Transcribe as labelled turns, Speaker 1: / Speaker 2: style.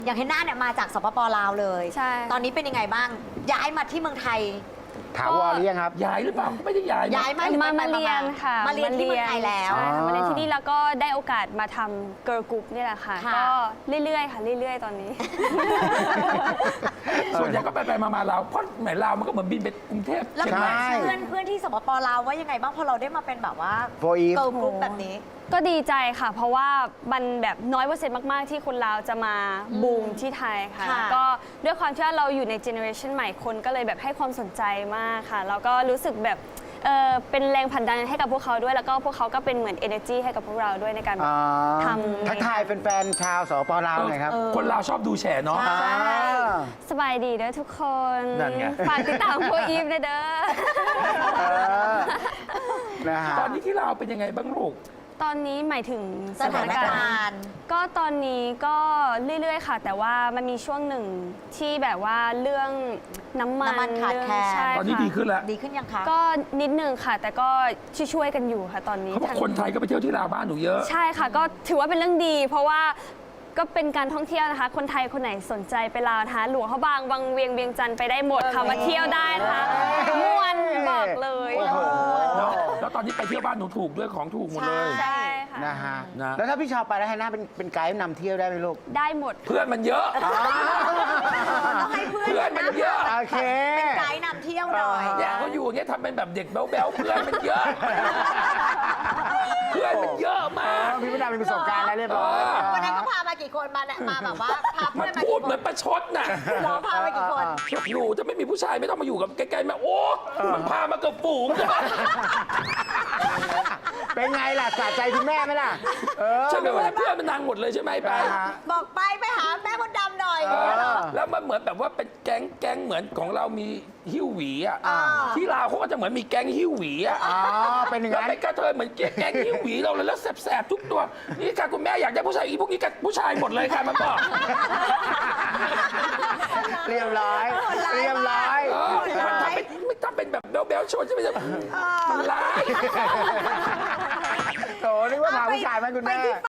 Speaker 1: อย่างเฮนน่าเนี่ยมาจากสปป.ลาวเลย
Speaker 2: ใช่
Speaker 1: ตอนนี้เป็นยังไงบ้างย้ายมาที่เมืองไทย
Speaker 3: ถาวรหรือยังครับ
Speaker 4: ย้ายหรือเปล่าไม่ได้ย้าย
Speaker 1: ย้ายมาหรือ
Speaker 2: มา
Speaker 1: ไป
Speaker 2: เรียนค่ะ
Speaker 1: มาเรียนที่เมืองไทยแล้ว
Speaker 2: ใช่ค่ะมาเรียนที่นี่แล้วก็ได้โอกาสมาทำเกิร์ลกรุ๊ปนี่แหละค่ะ
Speaker 1: ค่ะ
Speaker 2: ก็เรื่อยๆค่ะเรื่อยๆตอนนี้
Speaker 4: ส่วนใหญ่ก็ไปมาลาวเพราะแหมลาวมันก็เหมือนบินไปกรุงเทพ
Speaker 1: แล้ว
Speaker 4: เชียงใหม่
Speaker 3: ใช่
Speaker 1: เพื่อนที่สปป.ลาวว่ายังไงบ้างพอเราได้มาเป็นแบบว่า
Speaker 3: โฟอีฟ
Speaker 1: เกิร์ลกรุ๊ปแบบนี้
Speaker 2: ก็ดีใจค่ะ เพราะว่ามันแบบน้อยเปอร์เซ็นต์มากๆที่คนลาวจะมาบูมที่ไทยค่ะ
Speaker 1: ค่ะ
Speaker 2: แล้วก็ด้วยความที่ว่าเราอยู่ในเจเนอเรชันใหม่คนก็เลยแบบให้ความสนใจมากค่ะแล้วก็รู้สึกแบบเป็นแรงผลักดันให้กับพวกเขาด้วยแล้วก็พวกเขาก็เป็นเหมือน energy ให้กับพวกเราด้วยในการแบบ ทำ
Speaker 3: ทักทายแฟนๆชาวสปป.ลาวหน่อยครับ
Speaker 4: คนลาวชอบดูแฉเนาะ
Speaker 1: ใช่
Speaker 2: สบายดีเด้อทุกคน
Speaker 4: นั่นไง
Speaker 2: ฝากติดตามโฟอีฟด้วยเด้อ
Speaker 3: เออนะฮะ
Speaker 4: ตอนนี้ที่ลาวเป็นยังไงบ้างลูก
Speaker 2: ตอนนี้หมายถึง
Speaker 1: สถานการณ์
Speaker 2: ก็ตอนนี้ก็เรื่อยๆค่ะ แต่ว่ามันมีช่วงหนึ่งที่แบบว่าเรื่องน้ำมัน
Speaker 1: น้ำมันขาดแคลน
Speaker 2: ใช่
Speaker 4: ตอนนี้
Speaker 2: ค่ะ
Speaker 4: ดีขึ้นแล้ว
Speaker 1: ดีขึ้นยังคะ
Speaker 2: ก็นิดนึงค่ะ แต่ก็ช่วยๆกันอยู่ค่ะตอนนี้
Speaker 4: เขาบอกคนไทยก็ไปเที่ยวที่ลาวบ้านหนูเยอะ
Speaker 2: ใช่ค่ะ ก็ถือว่าเป็นเรื่องดี เพราะว่าก็เป็นการท่องเที่ยวนะคะ คนไทยคนไหนสนใจไปลาวนะคะหลวงพระบางวังเวียงเวียงจันทร์ไปได้หมดค่ะมาเที่ยวได้นะคะม่วนบอกเลย
Speaker 3: โอ้โห
Speaker 4: แล้วตอนนี้ไปเที่ยวบ้านหนูถูกด้วยของถูกหมดเลย
Speaker 2: ใช่ค่ะ
Speaker 3: นะฮะ
Speaker 4: นะ
Speaker 3: แล้วถ้าพี่ชาวไปแล้วให้หน้าเป็นไกด์นำเที่ยวได้ไหมลูก
Speaker 2: ได้หมด
Speaker 4: เพื่อนมันเยอะ
Speaker 1: ต้องให้เพื่อน
Speaker 4: เพื่อนมันเยอะ
Speaker 3: โอเค
Speaker 1: เป็นไกด์นำเที่ยวหน่อย
Speaker 4: เนี่ยเขาอยู่อย่างเงี้ยทำเป็นแบบเด็กแบ๊วๆเพื่อนมันเยอะ เพื่อนมันเยอะมาก
Speaker 3: พี่มดดำมีประสบการณ์แล้วเรียบร้อย
Speaker 1: วันนั้นก็พามากี่คนมาเนี่ยมาแบบว่าพา
Speaker 4: มั
Speaker 1: เพื่อน นมา
Speaker 4: พู
Speaker 1: กี่
Speaker 4: ด
Speaker 1: ค
Speaker 4: เหมือน นประชดน่ะ
Speaker 1: หรอพามากี่คน
Speaker 4: หนูจะไม่มีผู้ชายไม่ต้องมาอยู่กับใกล้ๆแม่โอ้มันพามาเกับฝูง
Speaker 3: เป็นไงล่ะสะใจคุณแม่ไหมล่ะ
Speaker 4: ใช่ไหมว่าเพื่อนมันนางหมดเลยใช่ไหมไป
Speaker 1: บอกไปหาแม่มดดำหน่อย
Speaker 4: แล้วมันเหมือนแบบว่าเป็นแก๊งเหมือนของเรามีหิ้วหวีอ่ะที่ลาวเขาก็จะเหมือนมีแก๊งหิ้วหวีอ่ะ
Speaker 3: อ๋อ เป็นอย่าง
Speaker 4: แล้ว
Speaker 3: นั้น
Speaker 4: เป็นกระเทยเหมือนแก๊งหิ้วหวีเราเลยแล้วแสบๆทุกตัวนี่ค่ะคุณแม่อยากได้ผู้ชายอีพวกนี้กับผู้ชายหมดเลยค่ะมันบอก
Speaker 3: เรียบร้อย เรียบร้อย
Speaker 4: มันทำเป็นไม่ทำเป็นแบบแบ๊วๆโชว์ใช่ไหมมันร้าย
Speaker 3: โถนึกว่าพาผู้ชายมาคุณแม่